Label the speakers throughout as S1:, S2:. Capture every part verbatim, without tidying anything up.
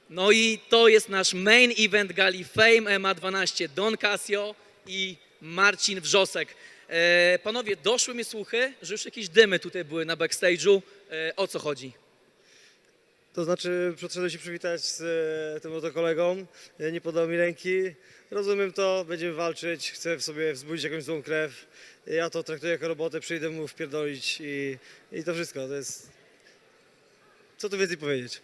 S1: No i to jest nasz main event gali Fame M M A dwanaście. Don Casio i Marcin Wrzosek. E, panowie, doszły mi słuchy, że już jakieś dymy tutaj były na backstage'u. E, o co chodzi?
S2: To znaczy, przyszedłem się przywitać z e, tym oto kolegą, e, nie podał mi ręki. Rozumiem to, będziemy walczyć, chcę w sobie wzbudzić jakąś złą krew. Ja to traktuję jako robotę, przyjdę mu wpierdolić i, i to wszystko. To jest... Co tu więcej powiedzieć?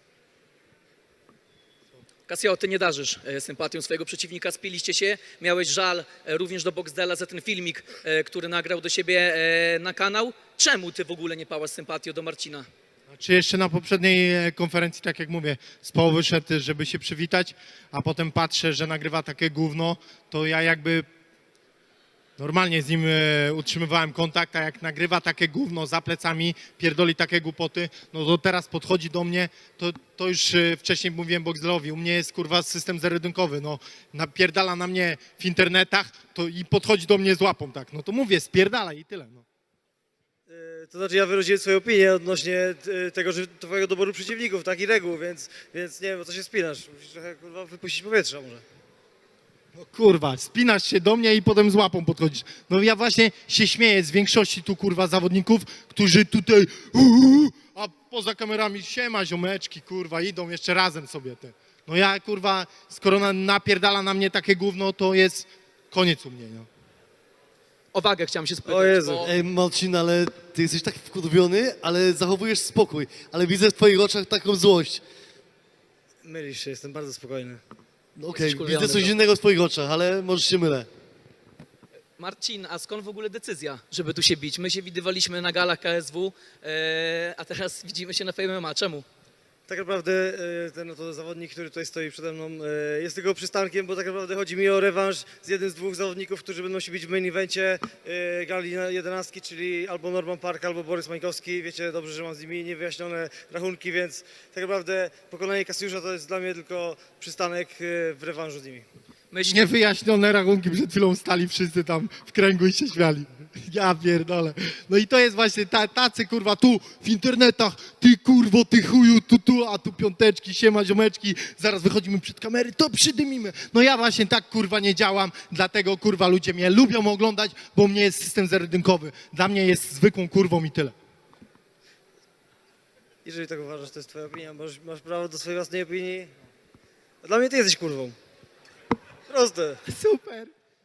S1: Casio, ty nie darzysz e, sympatią swojego przeciwnika, spiliście się, miałeś żal e, również do Boxdela za ten filmik, e, który nagrał do siebie e, na kanał. Czemu ty w ogóle nie pałasz sympatią do Marcina?
S3: Czy jeszcze na poprzedniej e, konferencji, tak jak mówię, z połowy szedł, żeby się przywitać, a potem patrzę, że nagrywa takie gówno, to ja jakby normalnie z nim e, utrzymywałem kontakt, a jak nagrywa takie gówno za plecami, pierdoli takie głupoty, no to teraz podchodzi do mnie, to, to już e, wcześniej mówiłem Boxdelowi, u mnie jest kurwa system zerodynkowy, no napierdala na mnie w internetach to i podchodzi do mnie z łapą, tak, no to mówię, spierdala i tyle, no.
S2: E, To znaczy, ja wyraziłem swoją opinię odnośnie e, tego, że twojego doboru przeciwników, tak i reguł, więc, więc nie wiem, o co się spinasz. Musisz trochę kurwa wypuścić powietrza może.
S3: No kurwa, spinasz się do mnie i potem z łapą podchodzisz. No ja właśnie się śmieję z większości tu kurwa zawodników, którzy tutaj uuu, a poza kamerami siema ziomeczki kurwa, idą jeszcze razem sobie te. No ja kurwa, skoro na, napierdala na mnie takie gówno, to jest koniec u mnie, no.
S1: O wagę chciałem się spytać,
S2: O Jezu.
S1: bo
S4: Ej, Marcin, ale ty jesteś tak wkurwiony, ale zachowujesz spokój. Ale widzę w twoich oczach taką złość.
S2: Mylisz się, jestem bardzo spokojny.
S4: No okej,
S1: Jesteś wkurwiony,
S4: widzę coś
S1: no.
S4: innego w twoich oczach, ale może się mylę.
S1: Marcin, a skąd w ogóle decyzja, żeby tu się bić? My się widywaliśmy na galach K S W, e, a teraz widzimy się na Fame M M A. Czemu?
S2: Tak naprawdę e, ten oto zawodnik, który tutaj stoi przede mną, e, jest tylko przystankiem, bo tak naprawdę chodzi mi o rewanż z jednym z dwóch zawodników, którzy będą się bić w main evencie e, gali na jedenastki, czyli albo Norman Park, albo Borys Mańkowski. Wiecie dobrze, że mam z nimi niewyjaśnione rachunki, więc tak naprawdę pokonanie Kasiusza to jest dla mnie tylko przystanek e, w rewanżu z nimi.
S1: Myśl,
S3: Niewyjaśnione rachunki, przed chwilą stali wszyscy tam w kręgu i się śmiali. Ja pierdolę. No i to jest właśnie ta, tacy kurwa tu w internetach, ty kurwo, ty chuju, tu, tu, a tu piąteczki, siema ziomeczki, zaraz wychodzimy przed kamery, to przydymimy. No ja właśnie tak kurwa nie działam, dlatego kurwa ludzie mnie lubią oglądać, bo u mnie jest system zerodynkowy. Dla mnie jest zwykłą kurwą i tyle.
S2: Jeżeli tak uważasz, to jest twoja opinia, masz, masz prawo do swojej własnej opinii. A dla mnie ty jesteś kurwą. Proste.
S3: Super.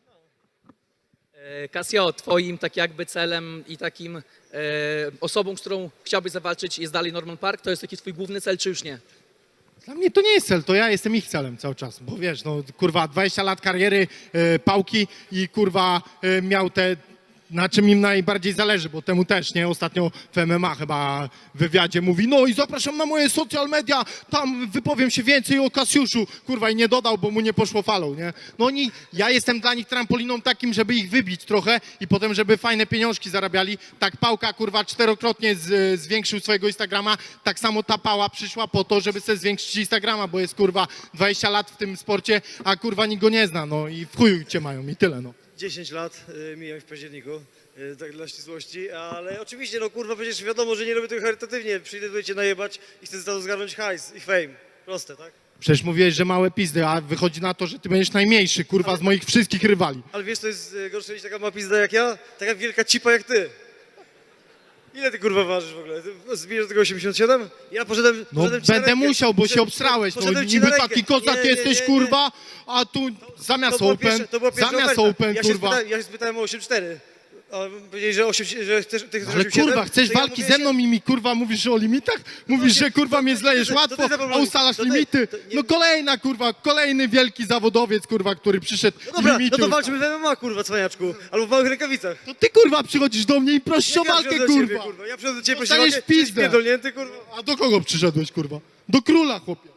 S1: e, Casio, twoim tak jakby celem i takim e, osobą, z którą chciałbyś zawalczyć jest dalej Norman Park? To jest taki twój główny cel, czy już nie?
S3: Dla mnie to nie jest cel, to ja jestem ich celem cały czas, bo wiesz, no kurwa dwadzieścia lat kariery, e, pałki i kurwa e, miał te, na czym im najbardziej zależy, bo temu też, nie? Ostatnio w M M A chyba w wywiadzie mówi, no i zapraszam na moje social media, tam wypowiem się więcej o Kasiuszu, kurwa i nie dodał, bo mu nie poszło falą, nie? No oni, ja jestem dla nich trampoliną takim, żeby ich wybić trochę i potem, żeby fajne pieniążki zarabiali. Tak Pałka kurwa czterokrotnie z, zwiększył swojego Instagrama, tak samo ta Pała przyszła po to, żeby sobie zwiększyć Instagrama, bo jest kurwa dwadzieścia lat w tym sporcie, a kurwa nikt go nie zna, no i w chuju cię mają i tyle, no.
S2: dziesięć lat y, mijam w październiku, y, tak dla ścisłości, ale oczywiście, no kurwa, przecież wiadomo, że nie robię tego charytatywnie. Przyjdę tutaj cię najebać i chcę za to zgarnąć hajs i fame. Proste, tak?
S3: Przecież mówiłeś, że małe pizdy, a wychodzi na to, że ty będziesz najmniejszy, kurwa, z moich wszystkich rywali.
S2: Ale wiesz, to jest y, gorsze niż taka ma pizda jak ja? Taka wielka cipa jak ty. Ile ty kurwa ważysz w ogóle? Ty zbijesz do tego osiemdziesiąt siedem? Ja poszedłem,
S3: No
S2: poszedłem ci na
S3: będę
S2: rękę.
S3: musiał, bo się
S2: Poszedłem-
S3: obsrałeś, no
S2: poszedłem ci
S3: niby
S2: na rękę.
S3: taki kozak
S2: Nie, nie,
S3: jesteś,
S2: nie, nie.
S3: kurwa, a tu zamiast
S2: To była
S3: open,
S2: pierwsza- to była pierwsza
S3: zamiast
S2: oferta.
S3: open,
S2: ja się
S3: kurwa.
S2: Spytałem, ja się spytałem o osiem cztery. A powiedzieli, że, osiem, że chcesz, ty chcesz
S3: Ale
S2: osiem siedem,
S3: kurwa, chcesz
S2: to ja
S3: walki
S2: mówię,
S3: ze mną i mi kurwa mówisz o limitach? Mówisz,
S2: właśnie,
S3: że kurwa
S2: to-
S3: mnie
S2: to-
S3: zlejesz
S2: to- to-
S3: łatwo,
S2: to ty
S3: a
S2: zaproponuj.
S3: ustalasz
S2: To ty-
S3: limity?
S2: to nie-
S3: No kolejna kurwa, kolejny wielki zawodowiec kurwa, który przyszedł
S2: No dobra,
S3: limity
S2: no to
S3: ustala.
S2: walczymy w M M A, kurwa, cwaniaczku. Albo w małych rękawicach.
S3: To ty kurwa przychodzisz do mnie i prosisz o
S2: Jak ja
S3: walkę,
S2: przychodzę do ciebie,
S3: kurwa.
S2: kurwa. Ja przychodzę do ciebie,
S3: Dostaniesz
S2: prosić o walkę,
S3: pizdę.
S2: jesteś pierdolnięty, kurwa.
S3: A do kogo przyszedłeś kurwa? Do króla, chłopie.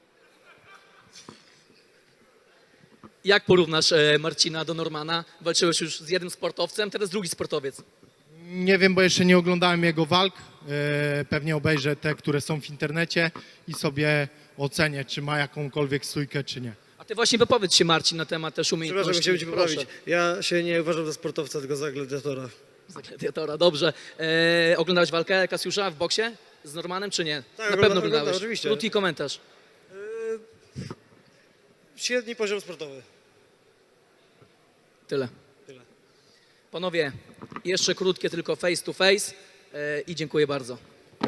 S1: Jak porównasz e, Marcina do Normana? Walczyłeś już z jednym sportowcem, teraz drugi sportowiec.
S3: Nie wiem, bo jeszcze nie oglądałem jego walk. E, Pewnie obejrzę te, które są w internecie i sobie ocenię, czy ma jakąkolwiek stójkę, czy nie.
S1: A ty właśnie wypowiedz się, Marcin, na temat też
S2: Przepraszam,
S1: umiejętności.
S2: chciałem cię
S1: Proszę.
S2: poprawić. Ja się nie uważam za sportowca, tylko za gladiatora.
S1: Za gladiatora, dobrze. E, oglądałeś walkę Kasiusza w boksie z Normanem, czy nie?
S2: Tak,
S1: Na
S2: ogląda-
S1: pewno
S2: oglądam,
S1: oglądałeś.
S2: oczywiście.
S1: Krótki komentarz.
S2: średni poziom sportowy.
S1: Tyle.
S2: Tyle.
S1: Panowie, jeszcze krótkie tylko face to face e, i dziękuję bardzo.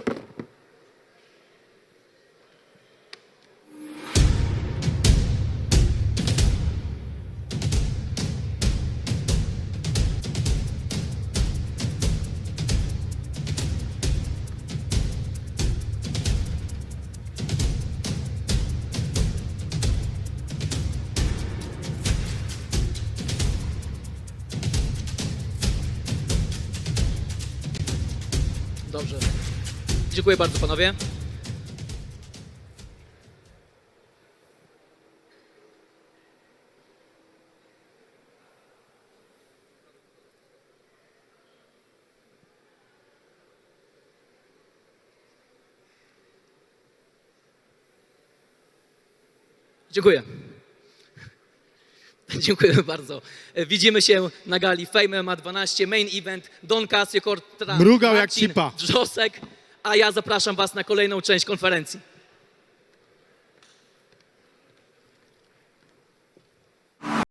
S1: Dobrze. Dziękuję bardzo, panowie. Dziękuję. Dziękujemy bardzo. Widzimy się na gali Fame M M A dwanaście, main event, Don Casio kontra
S3: Mrugał jak
S1: Marcin
S3: cipa.
S1: Wrzosek, a ja zapraszam was na kolejną część konferencji.